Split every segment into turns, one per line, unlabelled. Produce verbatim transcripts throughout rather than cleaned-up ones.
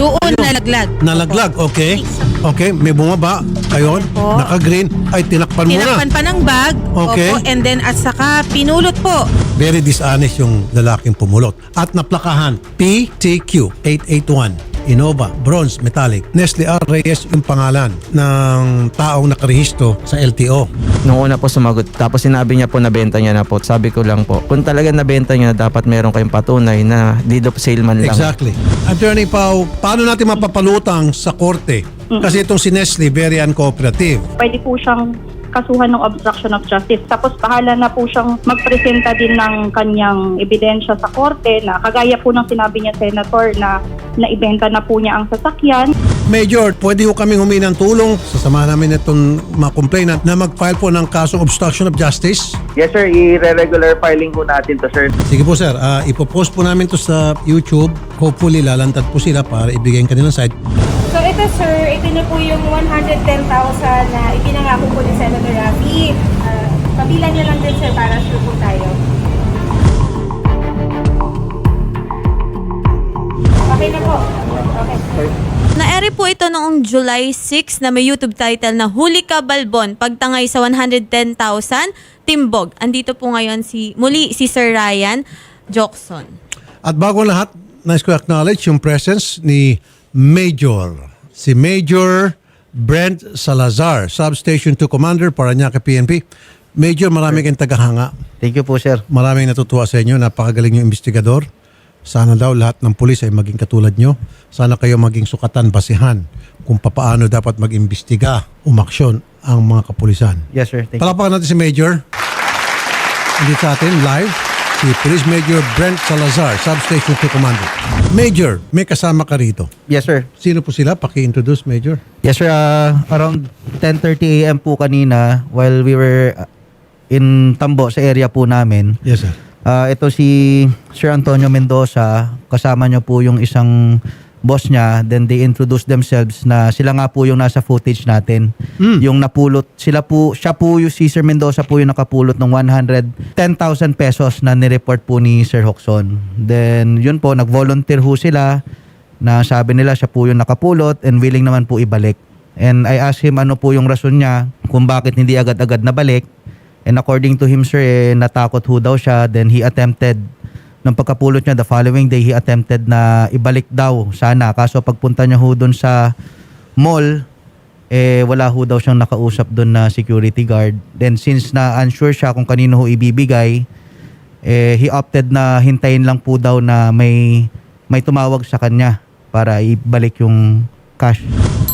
Doon nalaglag.
Nalaglag, okay. Okay, may bumaba. Ayun,
Opo.
naka-green. Ay, tinakpan mo na.
Tinakpan pa ng bag.
Okay.
Opo, and then at saka pinulot po.
Very dishonest yung lalaking pumulot. At naplakahan, P T Q eight eight one. Innova, Bronze, Metallic. Nestle R. Reyes yung pangalan ng taong nakarehistro sa L T O.
Nung una po sumagot, tapos sinabi niya po nabenta niya na po. Sabi ko lang po, kung talaga nabenta niya, dapat meron kayong patunay na deed of sale man lang.
Exactly. Attorney Pao, paano natin mapapalutang sa korte? Kasi itong si Nestle, very uncooperative.
Pwede po siyang kasuhan ng obstruction of justice. Tapos bahala na po siyang magpresenta din ng kanyang ebidensya sa korte na kagaya po ng sinabi niya, Senator, na naibenta na po niya ang sasakyan.
Major, pwede ho kaming humingi ng tulong. Sasamahan namin itong mga complainant na mag-file po ng kasong obstruction of justice.
Yes sir, i-regular filing po natin to sir.
Sige po sir, uh, ipopost po namin to sa YouTube. Hopefully, lalantad po sila para ibigay ang kanilang side.
So ito sir, ito na po yung one hundred ten thousand na ipinangako po ni Senator Raffy. Uh, pabilan niyo lang din sir para sure po tayo. Okay na po. Okay.
Na-ere po ito noong July sixth na may YouTube title na Huli Ka Balbon, pagtangay sa one hundred ten thousand, Timbog. Andito po ngayon si muli si Sir Ryan Jocson.
At bago ang lahat, nice ko acknowledge yung presence ni Major. Si Major Brent Salazar, Substation two Commander, Parañaque P N P. Major, maraming kayong tagahanga.
Thank you po sir.
Maraming natutuwa sa inyo. Napakagaling yung investigador. Sana daw lahat ng pulis ay maging katulad nyo. Sana kayo maging sukatan, basihan kung papaano dapat mag-imbestiga, umaksyon ang mga kapulisan.
Yes sir, thank you.
Palapakan natin si Major. Hindi sa atin, live, si Police Major Brent Salazar, Substation two Commander. Major, may kasama ka rito.
Yes sir.
Sino po sila? Paki-introduce, Major.
Yes sir, uh, around ten thirty a m po kanina while we were uh, in Tambo sa area po namin.
Yes, sir.
Uh, ito si Sir Antonio Mendoza, kasama niya po yung isang boss niya, then they introduced themselves na sila nga po yung nasa footage natin.
Mm.
Yung napulot, sila po, siya po yung si Sir Mendoza po yung nakapulot ng one hundred ten thousand pesos na nireport po ni Sir Hoxon. Then yun po, nag-volunteer ho sila na sabi nila siya po yung nakapulot and willing naman po ibalik. And I asked him ano po yung rason niya kung bakit hindi agad-agad nabalik. And according to him, sir, eh, natakot ho daw siya. Then he attempted, nung pagkapulot niya, the following day, he attempted na ibalik daw sana. Kaso pagpunta niya ho doon sa mall, eh, wala ho daw siyang nakausap doon na security guard. Then since na unsure siya kung kanino ho ibibigay, eh, he opted na hintayin lang po daw na may, may tumawag sa kanya para ibalik yung cash.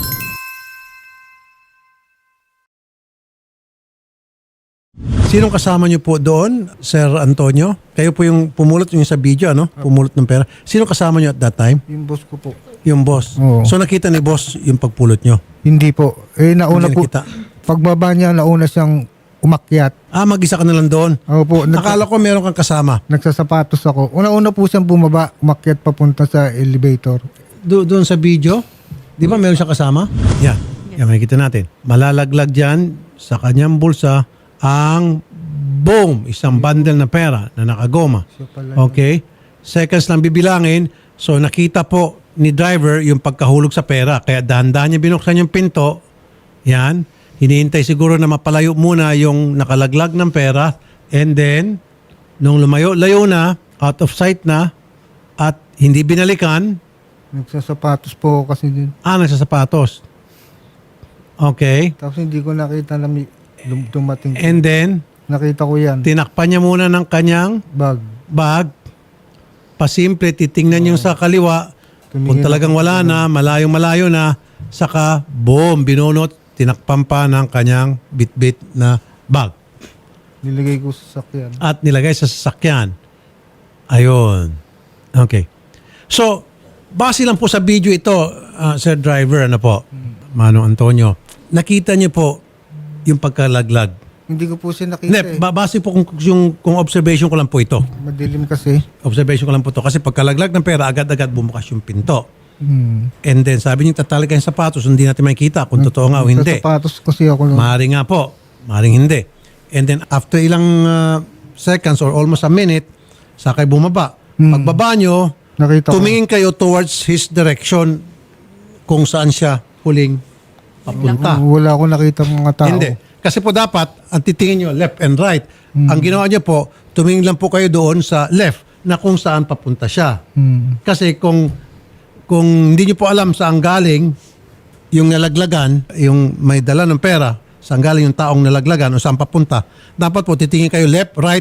Sinong kasama niyo po doon, Sir Antonio? Kayo po yung pumulot yung sa video, ano? Pumulot ng pera. Sinong kasama niyo at that time?
Yung boss ko po.
Yung boss.
Oo.
So nakita ni boss yung pagpulot niyo?
Hindi po. Eh, nauna
Hindi
po.
nakita.
Pagbaba niya, nauna siyang umakyat.
Ah, mag-isa ka na lang doon?
Ako po.
Akala ko meron kang kasama.
Nagsasapatos ako. Una-una po siyang bumaba, umakyat papunta sa elevator.
Do doon sa video, di ba meron siya kasama? Yan. Yan, makikita natin. Malalaglag dyan sa kanyang bulsa ang boom, isang bundle na pera na nakagoma. Okay? Seconds lang bibilangin. So nakita po ni driver yung pagkahulog sa pera. Kaya dahan-dahan niya binuksan yung pinto. Yan. Hinihintay siguro na mapalayo muna yung nakalaglag ng pera. And then, nung lumayo-layo na, out of sight na, at hindi binalikan,
Nagsasapatos po ako kasi din.
ah, nagsasapatos. Okay.
Tapos hindi ko nakita na may dum- dumating.
And then,
Nakita ko yan.
tinakpan niya muna ng kanyang
Bag.
bag. Pasimple, titingnan yung sa kaliwa. Kung
Tumingin
talagang
ako.
wala na, malayong malayo na, saka, boom, binunot, tinakpan pa ng kanyang bit-bit na bag.
Nilagay ko sa sakyan.
At nilagay sa sasakyan. Ayun. Okay. So, base lang po sa video ito, uh, Sir Driver, ano po, Manong Antonio, nakita niyo po yung pagkalaglag.
Hindi ko po siya nakita
Hindi,
eh.
ba- base po kung, yung, kung observation ko lang po ito.
Madilim kasi.
Observation ko lang po ito. Kasi pagkalaglag ng pera, agad-agad bumukas yung pinto.
Hmm.
And then, sabi niyo, tatali kayong sapatos, hindi natin makikita kung totoo nga o hindi.
Nagsasapatos kasi ako. No?
Maaaring nga po, maaaring hindi. And then, after ilang uh, seconds or almost a minute, sakay bumaba.
Hmm.
Pagbaba nyo,
Nakita ko.
tumingin kayo towards his direction kung saan siya huling papunta.
Wala akong nakita mga tao.
Hindi. Kasi po dapat, ang titingin nyo, left and right. Ang ginawa nyo po, tumingin lang po kayo doon sa left na kung saan papunta siya.
Hmm.
Kasi kung kung hindi nyo po alam saan galing yung nalaglagan, yung may dala ng pera, saan galing yung taong nalaglagan o saan papunta, dapat po titingin kayo left, right,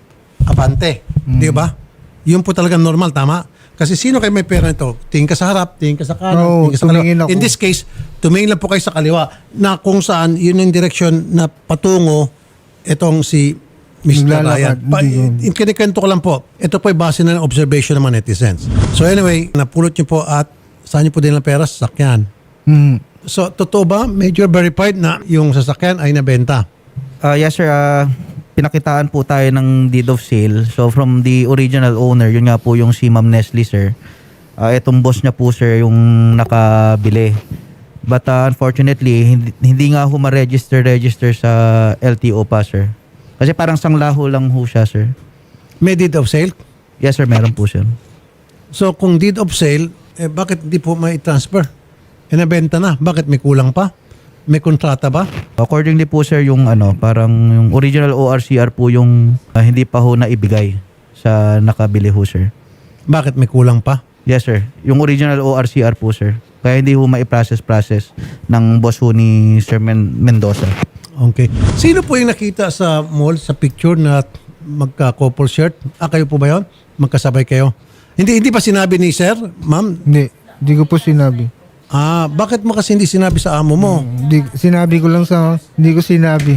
abante. Di ba? Yun po talaga normal, tama? Kasi sino kayo may pera nito? Tingin ka sa harap, tingin ka sa kanan,
Oo,
tingin ka sa
tumingin
kaliwa.
ako.
In this case, tumingin lang po kayo sa kaliwa na kung saan yun yung direction na patungo itong si mister
Naglalakad,
Ryan. Pa,
hindi yun.
kinikwento ko lang po. Ito po ay base na ng observation ng mga netizens. So anyway, napulot nyo po at saan nyo po din ang pera? Sa sasakyan.
Hmm.
So totoo ba, major verified na yung sasakyan ay nabenta?
Ah, yes sir, Ah, pinakitaan po tayo ng deed of sale. So from the original owner, yun nga po yung si Ma'am Nestle sir. Ah, itong boss niya po sir yung nakabili. But ah, unfortunately, hindi, hindi nga ho ma-register register sa L T O pa sir. Kasi parang sanglaho lang ho siya sir.
May deed of sale?
Yes sir, meron po sir.
So kung deed of sale, eh bakit hindi po may transfer? Eh nabenta na. Bakit may kulang pa? May kontrata ba?
Accordingly po sir, yung ano, parang yung original O R C R po yung ah, hindi pa ho na ibigay sa nakabili ho sir.
Bakit may kulang pa?
Yes sir, yung original O R C R po sir. Kaya hindi ho ma-process-process ng boss ho ni Sir Men- Mendoza.
Okay. Sino po yung nakita sa mall, sa picture na magka-couple shirt? Ah, kayo po ba yun? Magkasabay kayo? Hindi hindi pa sinabi ni sir, ma'am?
Hindi. Hindi ko po sinabi.
Ah, bakit mo kasi hindi sinabi sa amo mo?
Hindi, sinabi ko lang sa... Hindi ko sinabi.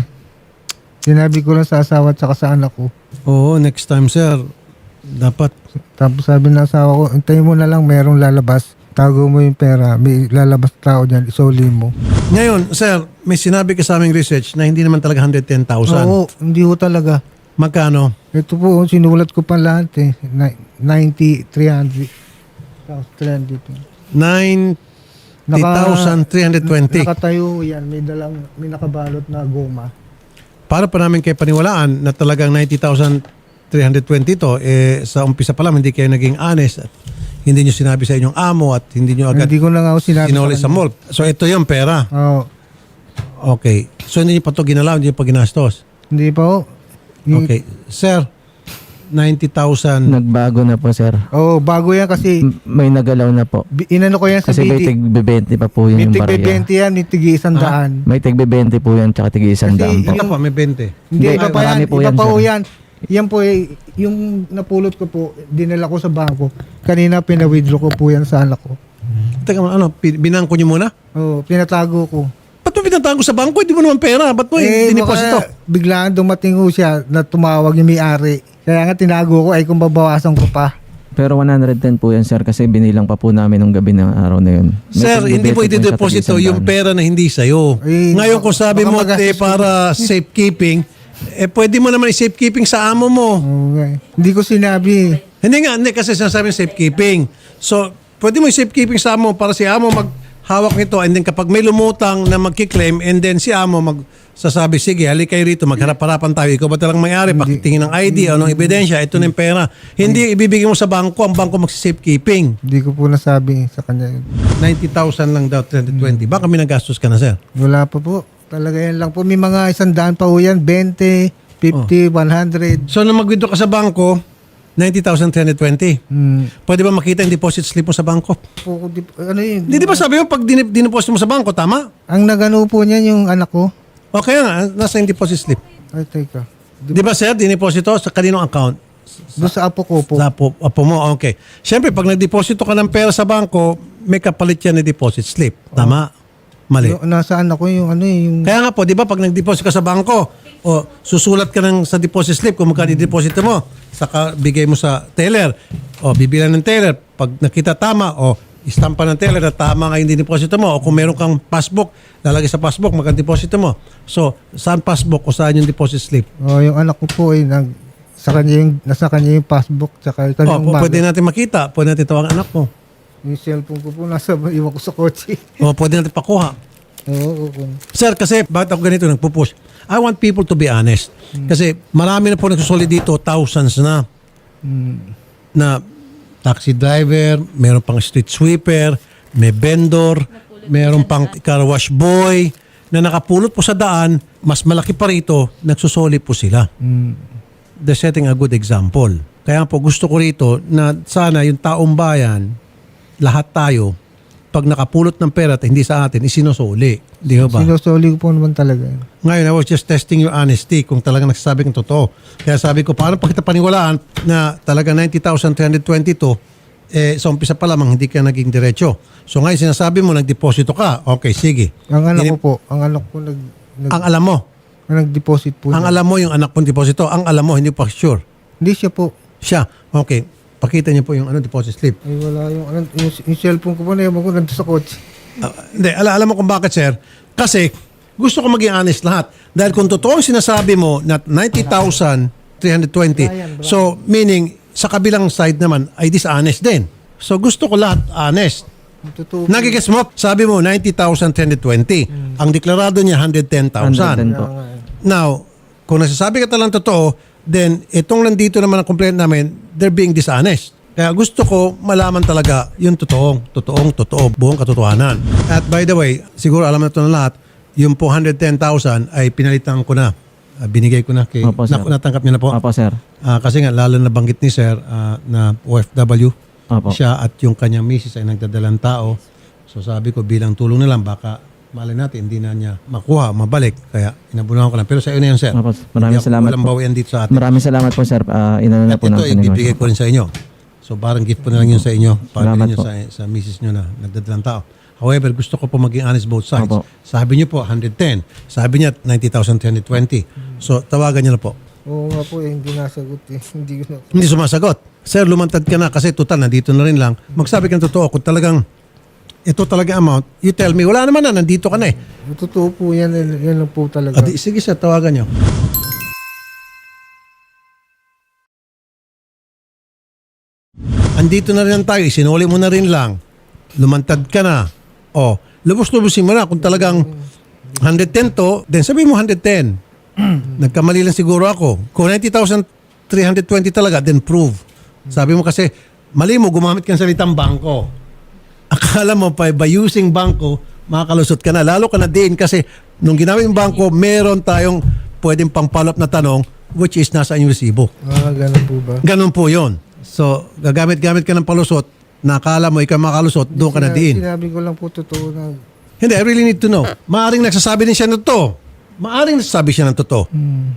Sinabi ko lang sa asawa at saka sa anak ko.
Oo, next time sir, dapat.
Tapos sabi ng asawa ko, hintayin mo na lang merong lalabas. Tago mo yung pera. May lalabas tao dyan. Isoli mo.
Ngayon, sir, may sinabi ka sa aming research na hindi naman talaga one hundred ten thousand.
Oo, hindi ko talaga.
Magkano?
Ito po, sinulat ko pa lahat eh. Ni- ninety, three hundred. three hundred.
ninety thousand three hundred twenty.
Nakatayo yan. May dalang, may nakabalot na goma.
Para pa namin kayo paniwalaan na talagang ninety thousand three hundred twenty to, eh, sa umpisa pa lang hindi kayo naging honest at hindi nyo sinabi sa inyong amo at hindi nyo agad
Hindi ko na nga ako sinabi
sinuli sa
kanya.
mall. So ito yung pera.
Oo.
Okay. So hindi nyo pa ito ginalaw, hindi nyo pa ginastos.
Hindi pa ho. Yung-
Okay. Sir, ninety thousand.
Nagbago na po, sir.
Oo, bago yan kasi
M- May nagalaw na po.
bi- inano ko yan sa
Kasi may
B T.
tig-bebente pa po yun
May
yung
tig
barya.
twenty yan, may tig isang daan.
May tig-bebente po yan, tsaka tig-isang
Kasi
daan po.
Ito pa, may twenty.
Hindi,
Hindi,
iba pa yan.
marami po
Iba
yan,
pa
sir.
ho yan. Yan po eh, yung napulot ko po, dinala ko sa bangko. Kanina pina-withdraw ko po yan sa anak ko.
Teka, ano, pi- binangko nyo muna?
Oo, pinatago ko.
Ba't mo pinatago sa bangko? Hindi mo naman pera. Ba't mo
Eh,
diniposito?
baka biglaan dumating ho siya na tumawag yung may-ari. Kaya nga tinago ko ay kung babawasan ko pa.
Pero one hundred ten po yan, sir, kasi binilang pa po namin nung gabi ng araw na yun. May
Sir, hindi mo
tig-bebente po yung sa
i-deposito
tig-isang
yung
daan.
pera na hindi sa'yo.
Eh,
Ngayon kung sabi
baka
mo
magastos
eh,
ko.
para safekeeping, eh pwede mo naman i-safekeeping sa amo mo.
Okay. Hindi ko sinabi.
Hindi nga, hindi kasi sinasabi ng safekeeping. So, pwede mo i-safekeeping sa amo para si amo maghawak nito and then kapag may lumutang na magkiklaim and then si amo magsasabi, sige, halik kayo rito, magharap-harapan tayo. Ikaw ba talagang may-ari? Pakitingin ng I D o ng ebidensya, ito na yung pera. Hindi ibibigay mo sa bangko, ang bangko magsi-safekeeping.
Hindi ko po nasabi sa kanya yun.
ninety thousand lang daw, twenty twenty. Baka may nagastos ka na, sir.
Wala pa po. Talaga yan lang po. May mga isang daan pa ho yan. twenty, fifty, one hundred.
So, nung mag-withdraw ka sa bangko, ninety thousand three hundred twenty.
Hmm.
Pwede ba makita yung deposit slip mo sa bangko?
Po, di, ano yun?
Hindi, di ba sabi mo pag dinip- dineposit mo sa bangko, tama?
Ang nagano po niyan yung anak ko.
O kaya nga, nasa yung deposit slip.
Ay, teka.
Di ba, sir, dineposito sa kaninong account?
Doon sa apo ko po.
Sa apo, apo mo, okay. Siyempre, pag nagdeposito ka ng pera sa bangko, may kapalit yan na deposit slip. Tama? Mali.
Yung, nasaan ako yung ano eh, yung...
Kaya nga po, di ba, pag nag-deposit ka sa bangko, o susulat ka ng, sa deposit slip kung magkano i-deposit mo, saka bigay mo sa teller, o bibilan ng teller, pag nakita tama, o istampa ng teller na tama nga yung dineposito mo, o kung meron kang passbook, lalagay sa passbook, magka-deposito mo. So, saan passbook o saan yung deposit slip?
Oh, yung anak ko po eh, nag, sa kanya yung, nasa kanya yung passbook, tsaka
O,
kanyang
p- pwede natin makita, pwede natin tawagan anak mo.
yung cellphone ko po, nasa, iwan ko sa kotse.
O, pwede natin pakuha.
Oo, oo, oo.
Sir, kasi bakit ako ganito nagpupush? I want people to be honest. Kasi marami na po nagsusuli dito, thousands na. Na taxi driver, meron pang street sweeper, may vendor, meron pang car wash boy na nakapulot po sa daan, mas malaki pa rito, nagsusoli po sila. They're setting a good example. Kaya po gusto ko rito na sana yung taong bayan, lahat tayo, pag nakapulot ng pera at hindi sa atin, isinusuli. Di ba?
Sinusoli ko po naman talaga.
Ngayon, I was just testing your honesty kung talagang nagsasabi kang totoo. Kaya sabi ko, paano pa kita paniwalaan na talaga ninety thousand three hundred twenty-two, eh, sa umpisa pa lamang hindi ka naging diretso. So ngayon, sinasabi mo, nagdeposito ka. Okay, sige.
Ang anak
Ini-
ko po, ang anak ko nag, nag,
Ang alam mo,
ang nag-deposit po.
ang
niya.
alam mo yung anak mong deposito. Ang alam mo, hindi pa sure.
Hindi siya po.
Siya. Okay. Pakita niyo po yung ano, deposit slip.
Ay wala yung, ano, yung, yung cellphone ko po na yung ko nandito sa kotse.
Ah, hindi, ala, alam mo kung bakit, sir? Kasi gusto ko maging honest lahat. Dahil kung totoo ang sinasabi mo na ninety thousand three hundred twenty, so meaning sa kabilang side naman ay dishonest din. So gusto ko lahat honest.
Totoo.
Nagigets mo? Sabi mo ninety thousand three hundred twenty. Ang deklarado niya one hundred ten
one hundred ten
thousand.
po.
Now, kung nagsasabi ka talang totoo, then itong nandito naman ang complaint namin, they're being dishonest. Kaya gusto ko malaman talaga yung totoong, totoong, totoo, buong katotohanan. At by the way, siguro alam na ito na lahat, yung po one hundred ten thousand ay pinalitan ko na. Ah, binigay ko na kay,
Opo, sir.
naku, natanggap niya na po.
Opo, sir.
Ah, kasi nga, lalo na banggit ni sir ah, na O F W,
Opo.
siya at yung kanyang misis ay nagdadalang tao. So sabi ko, bilang tulong na lang, baka malay natin, hindi na niya makuha, mabalik. Kaya inabunuhan ko lang. Pero sa iyo na yan, sir.
Opo, maraming
Hindi ako-
salamat
Walang
po.
bawian dito sa atin.
Maraming salamat po, sir. Uh, inano na
At
po
ito,
natin.
ibibigay ko rin sa inyo. So parang gift po na lang yun sa inyo. Para
Salamat
niyo
po.
sa, sa misis nyo na nagdadalang tao. However, gusto ko po maging honest both sides.
Opo.
Sabi niyo po, one hundred ten. Sabi niya, ninety thousand three hundred twenty. So tawagan niyo na po.
Oo nga po, eh, hindi nasagot eh. Hindi ko na.
Hindi sumasagot. Sir, lumantad ka na kasi total, nandito na rin lang. Magsabi ka ng totoo. Kung talagang ito talaga amount, you tell me, wala naman na, nandito ka na eh.
Totoo po yan, eh, yan lang po talaga.
Adi, sige sir, tawagan niyo. Andito na rin tayo, isinuli mo na rin lang. Lumantad ka na. O, lubos-lubosin mo na. Kung talagang one hundred ten to, then sabi mo one hundred ten. Nagkamali lang siguro ako. Kung ninety thousand three hundred twenty talaga, then prove. Sabi mo kasi, mali mo, gumamit ka ng salitang bangko. Akala mo pa, by using bangko, makakalusot ka na. Lalo ka na din kasi nung ginamit yung bangko, meron tayong pwedeng pang follow-up na tanong, which is nasa yung resibo.
Ah, ganun po ba?
Ganun po yon. So, gagamit-gamit ka ng palusot, nakala mo ikaw makalusot, doon ka na
Sinabi-
diin.
Sinabi ko lang po totoo na.
Hindi, I really need to know. Maaring nagsasabi din siya ng totoo. Maaring nagsasabi siya ng totoo.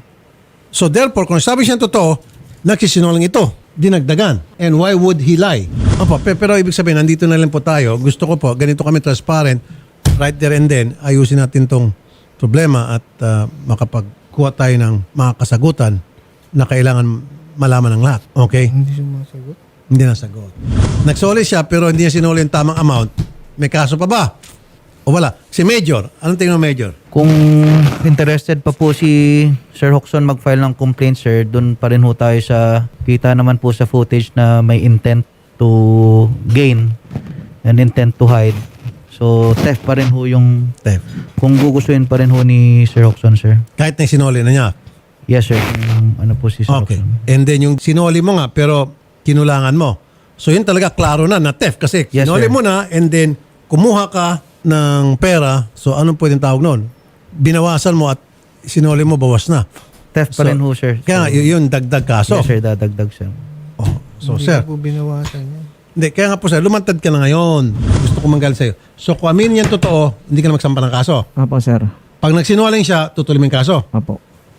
So therefore, kung nagsasabi siya ng totoo, nagsisinungaling ito. Dinagdagan. And why would he lie? Opo, pe- pero ibig sabihin, nandito na lang po tayo. Gusto ko po, ganito kami transparent. Right there and then, ayusin natin tong problema at uh, makapagkuha tayo ng mga kasagutan na kailangan malaman ng lahat. Okay?
Hindi sumasagot.
Hindi nasagot. Nagsoli siya pero hindi niya sinuli yung tamang amount. May kaso pa ba? O wala? Si Major. Anong tingin mo, Major?
Kung interested pa po si Sir Hoxon mag-file ng complaint, sir, doon pa rin ho tayo sa, kita naman po sa footage na may intent to gain and intent to hide. So, theft pa rin ho yung,
Tef.
kung gugustuhin pa rin ho ni Sir Hoxon, sir.
Kahit na sinuli na niya.
Yes, sir. Yung, ano po si Sir
Okay.
Hoxon.
And then yung sinuli mo nga pero kinulangan mo. So yun talaga klaro na na theft kasi
Yes,
sinuli
sir.
mo na and then kumuha ka ng pera. So anong pwedeng tawag noon? Binawasan mo at sinuli mo bawas na.
Theft
So,
pa rin ho, sir.
Kaya nga,
So,
y- yun dagdag kaso.
yes, sir. Dadagdag, sir.
Oh, so
Hindi
sir,
ko po binawasan yan.
hindi, kaya nga po sir, lumantad ka na ngayon. Gusto ko manggal sa'yo. So kung aminin yan totoo, hindi ka na magsampa ng kaso.
Opo, sir.
Pag nagsinungaling siya, tutuloy mo yung kaso.
Opo.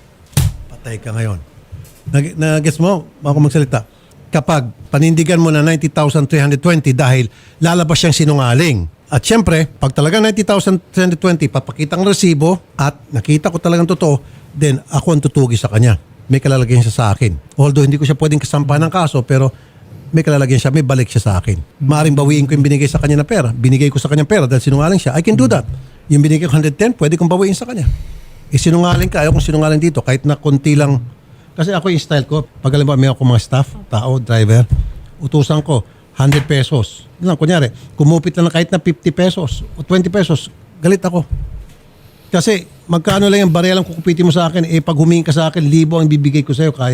Patay ka ngayon. Nag- Nag-guess mo, ako magsalita. Kapag panindigan mo na ninety thousand three hundred twenty dahil lalabas siyang sinungaling. At syempre, pag talagang ninety thousand three hundred twenty, papakita ang resibo at nakita ko talagang totoo, then ako ang tutugi sa kanya. May kalalagyan siya sa akin. Although hindi ko siya pwedeng kasampahan ng kaso, pero may kalalagyan siya, may balik siya sa akin. Maaring bawiin ko yung binigay sa kanya na pera. Binigay ko sa kanya pera dahil sinungaling siya. I can do that. Yung binigay ko one hundred ten, pwede kong bawiin sa kanya. Eh sinungaling ka, ayaw kong sinungaling dito kahit na konti lang. Kasi ako yung style ko, pag alam ba may ako mga staff, tao, driver, utusan ko, one hundred pesos. Lang, kunyari, kumupit lang na kahit na fifty pesos o twenty pesos, galit ako. Kasi magkano lang yung barya lang kukupitin mo sa akin, eh pag humingi ka sa akin, libo ang bibigay ko sa'yo, kaya ko.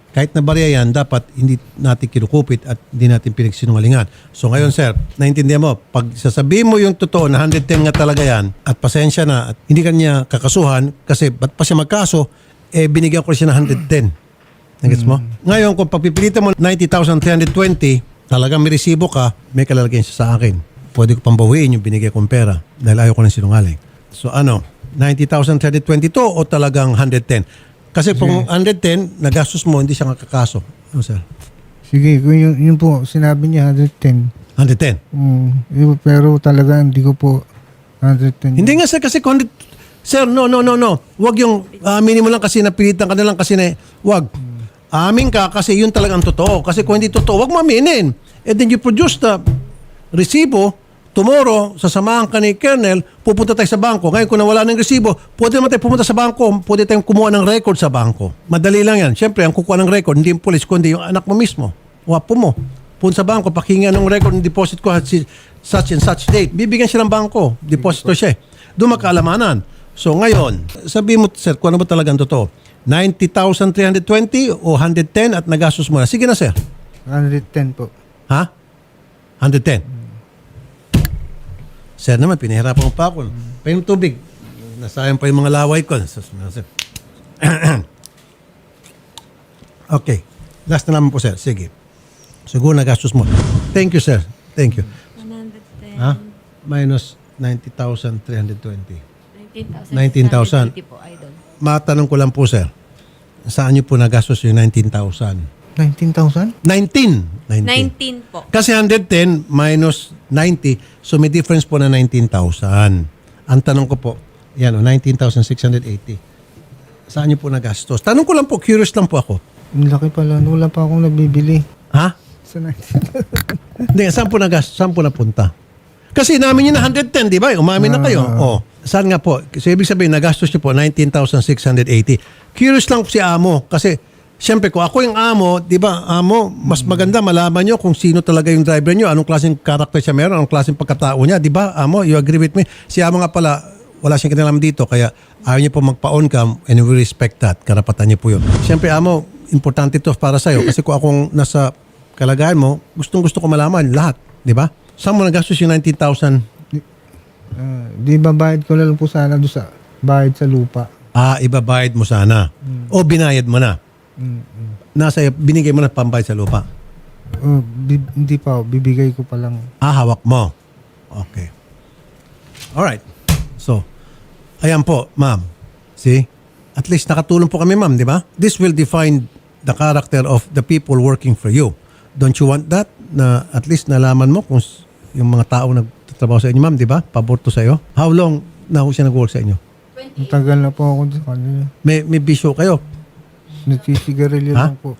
Kahit na barya yan, dapat hindi natin kinukupit at hindi natin pinagsinungalingan. So ngayon, sir, naintindihan mo, pag sasabihin mo yung totoo na one hundred ten nga talaga yan at pasensya na at hindi kanya kakasuhan kasi ba't pa siya magkaso, eh binigyan ko siya ng one hundred ten. Nagets mo? Ngayon, kung pagpipilitan mo ninety thousand three hundred twenty, talagang may resibo ka, may kalalagyan siya sa akin. Pwede ko pang bawiin yung binigay kong pera dahil ayaw ko ng sinungaling. So ano, ninety thousand three hundred twenty-two o talagang one hundred ten? Kasi kung one hundred ten, nagastos mo, hindi siya kakakaso. Ano, sir?
Sige, kung yun, yun po, sinabi niya one hundred ten.
one hundred ten?
Mm, yun, pero talaga hindi ko po one hundred ten.
Hindi nga, sir, kasi kung... Sir, no, no, no, no. Huwag yung aminin mo lang kasi napilitan ka na lang kasi na... Huwag. Amin ka kasi yun talagang totoo. Kasi kung hindi totoo, huwag mo aminin. And then you produce the resibo. Tomorrow, sasamahan ka ni Colonel, pupunta tayo sa bangko. Ngayon, kung nawala ng resibo, pwede naman tayo pumunta sa bangko, pwede tayong kumuha ng record sa bangko. Madali lang yan. Siyempre, ang kukuha ng record, hindi yung police, kundi yung anak mo mismo. O apo mo. Punta sa bangko, pakinga ng record ng deposit ko at si- such and such date. Bibigyan siya ng bangko. Deposito siya. Doon magkaalamanan. So ngayon, sabihin mo, sir, kung ano ba talagang totoo? ninety thousand three hundred twenty o one hundred ten at nagastos mo na. Sige na, sir.
one hundred ten po.
Ha? one hundred ten. Sir naman, pinahirapan ko pa ako. Pahing tubig. Nasayang pa yung mga laway ko. Okay. Last na naman po, sir. Sige. Siguro nagastos mo. Thank you, sir. Thank you.
one hundred ten.
Ha? Minus ninety thousand three hundred twenty.
nineteen thousand.
nineteen thousand. Matanong ko lang po, sir. Saan niyo po nagastos yung nineteen thousand?
nineteen thousand?
nineteen. nineteen.
nineteen po.
Kasi one hundred ten minus ninety, so may difference po na nineteen thousand. Ang tanong ko po, yan o, nineteen thousand six hundred eighty. Saan niyo po nagastos? Tanong ko lang po, curious lang po ako.
Ang laki pala. Wala pa akong nabibili.
Ha?
Sa nineteen thousand.
Hindi, saan po nagastos? Saan po napunta? Kasi namin yun na one hundred ten, di ba? Umamin na kayo. Oh. Saan nga po? So, ibig sabihin, nagastos niyo po nineteen thousand six hundred eighty. Curious lang po si Amo kasi siyempre, kung ako yung amo, di ba, amo, mas maganda malaman nyo kung sino talaga yung driver nyo, anong klaseng character siya meron, anong klaseng pagkatao niya, di ba, amo, you agree with me? Si amo nga pala, wala siyang kinalam dito, kaya ayaw niyo po magpa-on cam and we respect that. Karapatan niyo po yun. Siyempre, amo, importante to para sa'yo kasi kung akong nasa kalagayan mo, gustong gusto ko malaman lahat, di ba? Saan mo nagastos yung nineteen thousand?
Ah, di ba bayad ko na lang po sana doon sa bayad sa lupa.
Ah, ibabayad mo sana. O binayad mo na. Nasa binigay mo na pambayad sa lupa.
Oh, bi- hindi pa. Bibigay ko pa lang.
Ah, hawak mo. Okay. Alright. So, ayan po, ma'am. See? At least nakatulong po kami, ma'am, di ba? This will define the character of the people working for you. Don't you want that? Na at least nalaman mo kung s- yung mga tao nagtatrabaho sa inyo, ma'am, di ba? Pabor to sa iyo. How long na ho siya nag-work sa inyo?
Ang tagal na po ako sa kanila.
May, may bisyo kayo.
Nagsisigarilyo
Ha?
lang po.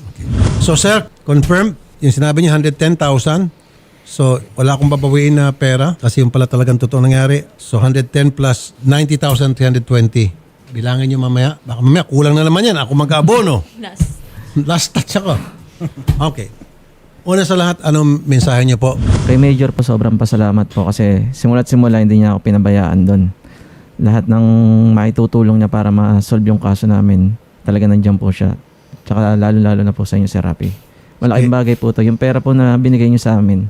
So, sir, confirm, yung sinabi niyo one hundred ten thousand. So, wala akong babawiin na pera kasi yung pala talagang totoo nangyari. So, one hundred ten plus ninety thousand three hundred twenty. Bilangin niyo mamaya. Baka mamaya kulang na naman yan. Ako mag-abono.
Last.
Last touch ako. Okay. Una sa lahat, anong mensahe niyo po?
Kay Major po sobrang pasalamat po kasi simula't simula hindi niya ako pinabayaan doon. Lahat ng maitutulong niya para ma-solve yung kaso namin, talaga nandiyan po siya. Tsaka lalo-lalo na po sa inyo, Sir Rapi. Malaking bagay po to. Yung pera po na binigay niyo sa amin,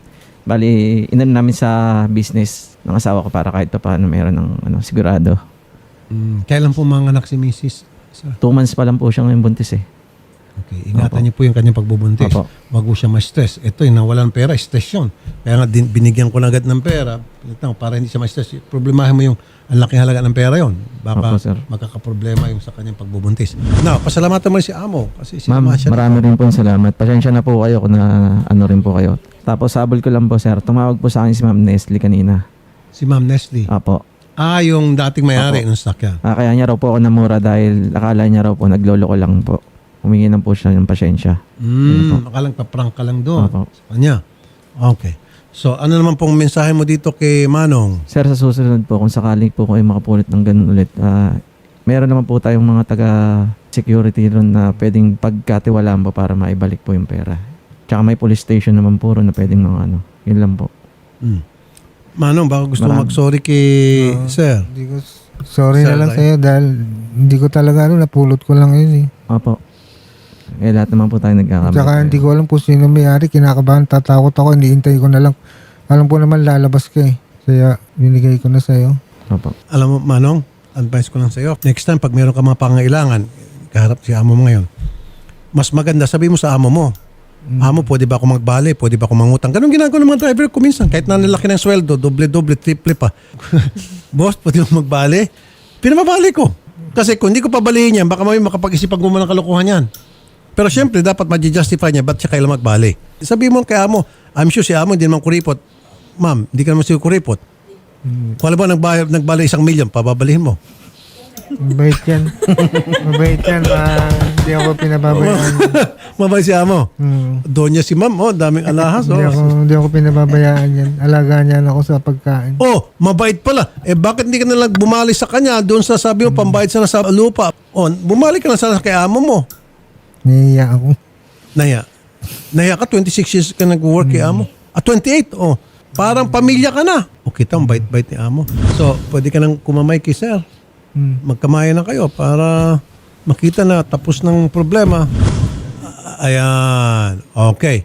bali, inan namin sa business ng asawa ko para kahit pa paano meron ng ano, sigurado.
Hmm, kailan po mga anak si Missus Sir?
Two months pa lang po siya ngayon buntis eh.
Okay, ingatan
Opo.
niyo po yung kanyang pagbubuntis.
Opo.
Wag po siya ma-stress. Ito, yung nawalan pera, stress yun. Kaya nga, din, binigyan ko na agad ng pera ito, para hindi siya ma-stress. Problemahin mo yung ang laking halaga ng pera yon. Baka
Opo, sir.
magkakaproblema yung sa kanyang pagbubuntis. Now, pasalamatan mo rin si Amo. Kasi
Ma'am,
sinama siya.
marami rin po salamat. Pasensya na po kayo kung na ano rin po kayo. Tapos sabol ko lang po, sir. Tumawag po sa akin si Ma'am Nestle kanina.
Si Ma'am Nestle.
Apo.
Ah, yung dating may-ari
Opo.
ng sakyan.
Ah, kaya niya raw po ako namura dahil akala niya raw po naglolo ko lang po. Humingi na po siya ng pasyensya.
Hmm, akalang paprank ka lang doon.
Opo.
Sa kanya. Okay. So, ano naman pong mensahe mo dito kay Manong?
Sir, sa susunod po, kung sakaling po kayo makapulit ng ganun ulit, ah, meron naman po tayong mga taga-security ron na pwedeng pagkatiwalaan po para maibalik po yung pera. Tsaka may police station naman po ron na pwedeng mga ano. Yun lang po.
Hmm. Manong, baka gusto mo
Marami.
mag-sorry kay Sir.
Hindi ko, sorry
Sir,
na lang
right?
sa'yo dahil hindi ko talaga ano, napulot ko lang yun eh.
Opo. Eh, lahat naman po tayo nagkakamali.
Tsaka hindi ko alam kung sino may-ari. Kinakabahan, tatakot ako. Iniintay ko na lang. Alam ko naman lalabas ka eh. Kaya binigay ko na sa'yo.
Opo.
Alam mo, Manong, advice ko lang sa iyo. Next time, pag meron ka mga pangailangan, kaharap si amo mo ngayon, mas maganda, sabi mo sa amo mo, amo, pwede ba ako magbali? Pwede ba ako mangutang? Ganun ginagawa ng mga driver ko minsan. Kahit na nalaki ng sweldo, doble-doble, triple pa. Boss, pwede mo magbali? Pinababali ko. Kasi kung hindi ko pabalihin yan, baka may makapag-isipan gumawa ng kalokohan yan. Pero syempre, dapat ma-justify niya, ba't siya kailan magbali? Sabi mo kay amo, I'm sure si amo hindi naman kuripot. Ma'am, hindi ka naman siya kuripot. Kung alam mo, nagbali, nagbali isang milyon, pababalihin mo.
Mabait yan. Mabait yan. Ah, hindi ako pinababayaan.
Mabay si amo.
Hmm.
Doon niya si ma'am, oh, daming alahas.
Hindi ako,
Oh.
hindi ako pinababayaan yan. Alagaan yan ako sa pagkain.
Oh, mabait pala. Eh bakit hindi ka na lang bumalik sa kanya doon sa sabi mo, pambayad sana sa lupa? Oh, bumalik ka na sana kay amo mo.
Nahiya ako.
Naya. Naya ka, twenty-six years ka nag-work kay amo. Ah, twenty-eight, oh. Parang pamilya ka na. O kita, ang bait-bait ni amo. So, pwede ka nang kumamay kay sir.
Hmm.
Magkamayan na kayo para makita na tapos ng problema. Ah, Ayan. Okay.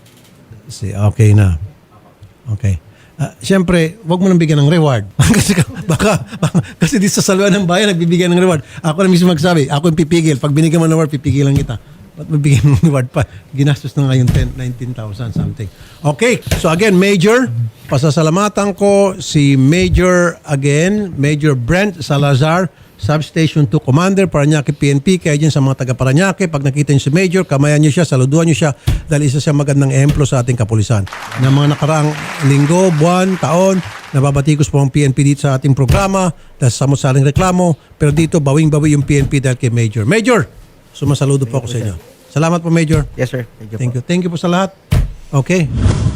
Si okay na. Okay. Ah, Siyempre, wag mo nang bigyan ng reward. kasi ka- baka, baka kasi di sa saluan ng bayan nagbibigyan ng reward. Ako na mismo magsabi, ako yung pipigil. Pag binigyan mo ng reward, pipigilan kita. Ba't mabigyan ng reward pa? Ginastos na ngayon ten, nineteen thousand something. Okay. So again, Major, pasasalamatan ko si Major again, Major Brent Salazar, Substation two Commander, Paranaque P N P. Kaya dyan sa mga taga Paranaque, pag nakita niyo si Major, kamayan niyo siya, saluduan niyo siya dahil isa siya magandang ehemplo sa ating kapulisan. Na mga nakaraang linggo, buwan, taon, nababatikos po ang P N P dito sa ating programa dahil sa samot-saring reklamo. Pero dito, bawing-bawi yung P N P dahil kay Major. Major, sumasaludo po ako sa inyo. Salamat po, Major.
Yes, sir. Thank you po.
Thank you. Thank you po sa lahat. Okay.